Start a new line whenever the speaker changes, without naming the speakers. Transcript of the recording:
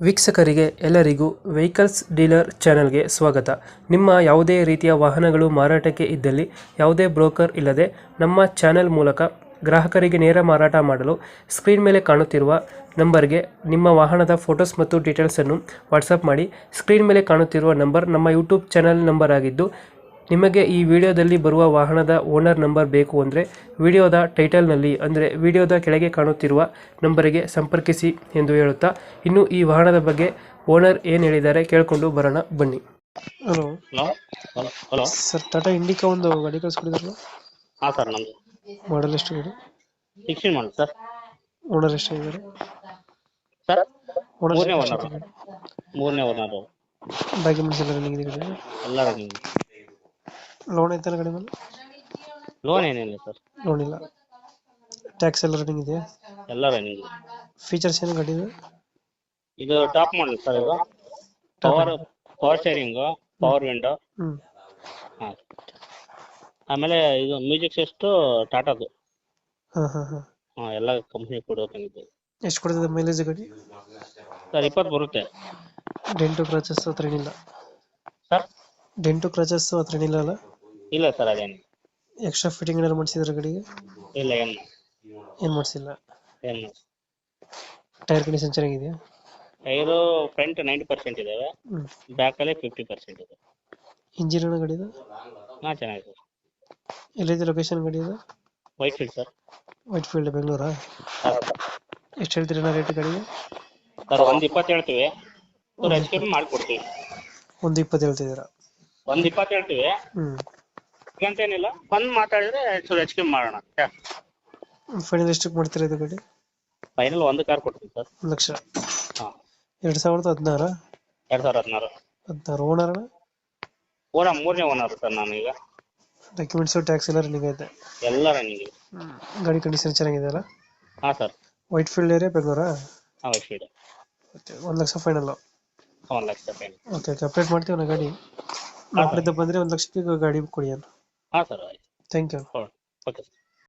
ವೀಕ್ಷಕರಿಗೆ ಎಲ್ಲರಿಗೂ vehicles dealer ಚಾನೆಲ್ಗೆ ಸ್ವಾಗತ. ನಿಮ್ಮ ಯಾವುದೇ ರೀತಿಯ ವಾಹನಗಳು ಮಾರಾಟಕ್ಕೆ ಇದ್ದಲ್ಲಿ ಯಾವುದೇ ಬ್ರೋಕರ್ ಇಲ್ಲದೆ ನಮ್ಮ ಚಾನೆಲ್ ಮೂಲಕ ಗ್ರಾಹಕರಿಗೆ ನೇರ ಮಾರಾಟ ಮಾಡಲು ಸ್ಕ್ರೀನ್ ಮೇಲೆ ಕಾಣುತ್ತಿರುವ ನಂಬರ್ಗೆ ನಿಮ್ಮ ವಾಹನದ ಫೋಟೋಸ್ ಮತ್ತು ಡೀಟೇಲ್ಸನ್ನು ವಾಟ್ಸಪ್ ಮಾಡಿ. ಸ್ಕ್ರೀನ್ ಮೇಲೆ ಕಾಣುತ್ತಿರುವ ನಂಬರ್ ನಮ್ಮ ಯೂಟ್ಯೂಬ್ ಚಾನೆಲ್ ನಂಬರ್ ಆಗಿದ್ದು, ನಿಮಗೆ ಈ ವಿಡಿಯೋದಲ್ಲಿ ಬರುವ ವಾಹನದ ಓನರ್ ನಂಬರ್ ಬೇಕು ಅಂದರೆ ವಿಡಿಯೋದ ಟೈಟಲ್ನಲ್ಲಿ ಅಂದರೆ ವಿಡಿಯೋದ ಕೆಳಗೆ ಕಾಣುತ್ತಿರುವ ನಂಬರಿಗೆ ಸಂಪರ್ಕಿಸಿ ಎಂದು ಹೇಳುತ್ತಾ, ಇನ್ನು ಈ ವಾಹನದ ಬಗ್ಗೆ ಓನರ್ ಏನು ಹೇಳಿದ್ದಾರೆ ಕೇಳಿಕೊಂಡು ಬರೋಣ ಬನ್ನಿ. Hello
hello hello hello
sir, Tata Indica ಒಂದು ಗಾಡಿ ಕಳಿಸ್ಕೊಡಿದ್ರಲ್ಲ,
ಹಾಂ ಸರ್, ನಮ್ಮದು
ಮಾಡಲ್ ಎಷ್ಟು ಗಾಡಿ?
16 ಮಾಡಿ ಸರ್.
ಓನರ್ ಎಷ್ಟಾಗಿದ್ದಾರೆ?
ಸರ್
ಓನರ್
ಮೂರನೇ ಓನರು
ಡಾಕ್ಯುಮೆಂಟ್ಸ್ ಎಲ್ಲ ರನ್ನಿಂಗ್ ಇದೆ ಗಾಡಿ?
ಎಲ್ಲ ರನ್ನಿಂಗ್.
ಲೋನ್ ಐತಲ್ಲ ಗಾಡಿ ಮೇಲೆ?
ಲೋನ್ ಏನಿಲ್ಲ ಸರ್,
ಲೋನ್ ಇಲ್ಲ. ಟ್ಯಾಕ್ಸ್ ಎಲ್ಲ ರನ್ನಿಂಗ್ ಇದೆಯಾ?
ಎಲ್ಲ ರನ್ನಿಂಗ್.
ಫೀಚರ್ಸ್ ಏನು ಗಾಡಿ ಇದೆ?
ಇದು ಟಾಪ್ ಮಾಡಲ್ ಸರ್. ಇದು ಪವರ್ ಸ್ಟೇರಿಂಗು, ಪವರ್ ವಿಂಡೋ.
ಹ್ಞೂ.
ಹಾಂ, ಆಮೇಲೆ ಇದು ಮ್ಯೂಸಿಕ್ ಸಿಸ್ಟು ಟಾಟಾದು.
ಹಾಂ ಹಾಂ ಹಾಂ.
ಹಾಂ, ಎಲ್ಲ ಕಂಪ್ನಿ ಕೊಡೋಕಂಗಿದೆ
ಎಷ್ಟು ಕೊಡ್ತದೆ ಮೈಲೇಜ್ ಗಾಡಿ?
ಸರ್. 20 ಬರುತ್ತೆ
ಡೆಂಟು ಕ್ರಾಚಸ್ ಹತ್ರ ಏನಿಲ್ಲ?
ಸರ್.
ಡೆಂಟು ಕ್ರಾಚಸ್ ಹತ್ರ ಏನಿಲ್ಲ ಅಲ್ಲ?
ಇಲ್ಲ ಸರ್, ಅದೇನು
ಎಕ್ಸ್ಟ್ರಾ ಫಿಟ್ಟಿಂಗ್ ಏನಾದ್ರು ಮಾಡಿಸಿದ್ರೆ ಗಾಡಿಗೆ?
ಇಲ್ಲ,
ಏನು ಮಾಡಿಸಿಲ್ಲ.
ಏನು
ಟೈರ್ ಕಂಡೀಷನ್ ಚೆನ್ನಾಗಿದೆಯಾ?
ಟೈರು ಫ್ರಂಟ್ 90% ಇದಾವೆ,
ಹ್ಞೂ.
ಬ್ಯಾಕಲ್ಲಿ 50% ಇದೆ.
ಇಂಜಿನ್ ಏನೋ ಗಾಡಿದು?
ಹಾಂ, ಚೆನ್ನಾಗಿದೆ.
ಎಲ್ಲಿದೆ ಲೊಕೇಶನ್ ಗಾಡಿ ಇದು?
Whitefield sir.
Whitefield, ಬೆಂಗಳೂರಾ? ಎಷ್ಟು ಹೇಳ್ತೀರಿ ರೇಟ್ ಗಾಡಿಗೆ?
ಸರ್, 120 ಹೇಳ್ತೀವಿ, ಹೆಚ್ಚು ಕಮ್ಮಿ ಮಾಡಿಕೊಡ್ತೀವಿ.
120 ಹೇಳ್ತಿದ್ದೀರಾ?
120 ಹೇಳ್ತೀವಿ,
ಹ್ಞೂ.
ಏನಿಲ್ಲ, ಬಂದು ಮಾತಾಡಿದ್ರೆ ಚೂರು ಹೆಚ್ಚು ಕಮ್ಮಿ ಮಾಡೋಣ.
ಫೈನಲ್ ಎಷ್ಟಕ್ಕೆ ಮಾಡ್ತೀರಾ ಇದು ಗಾಡಿ?
ಫೈನಲ್ ಒಂದು ಕಾರ್ ಕೊಡ್ತೀವಿ ಸರ್.
1 ಲಕ್ಷ.
ಹಾಂ.
2016?
2016.
16 ಓನರ್?
ಮೂರನೇ ಓನರ್ ಸರ್ ನಾನು ಈಗ.
ಡಾಕ್ಯುಮೆಂಟ್ಸು ಟ್ಯಾಕ್ಸ್ ಎಲ್ಲ ರನ್ನಿಂಗ್ ಐತೆ?
ಎಲ್ಲ ರನ್ನಿಂಗ್ ಇದೆ.
ಗಾಡಿ ಕಂಡೀಷನ್ ಚೆನ್ನಾಗಿದೆ ಅಲ್ಲ?
ಹಾಂ ಸರ್.
ವೈಟ್ ಫೀಲ್ಡ್ ಏರಿಯಾ, ಬೆಂಗಳೂರಾ?
ಹಾಂ, Whitefield.
Okay, 1 lakh final?
1 lakh final.
Okay okay, update ಮಾಡ್ತೀವಿ ನಾ ಗಾಡಿ. ನಮ್ಮ ಕಡೆಯಿಂದ ಬಂದರೆ 1 ಲಕ್ಷಕ್ಕೆ ಗಾಡಿ ಕೊಡಿ ಅಣ್ಣ.
ಹಾಂ ಸರ್, ಆಯ್ತು.
Thank you.
Okay sir.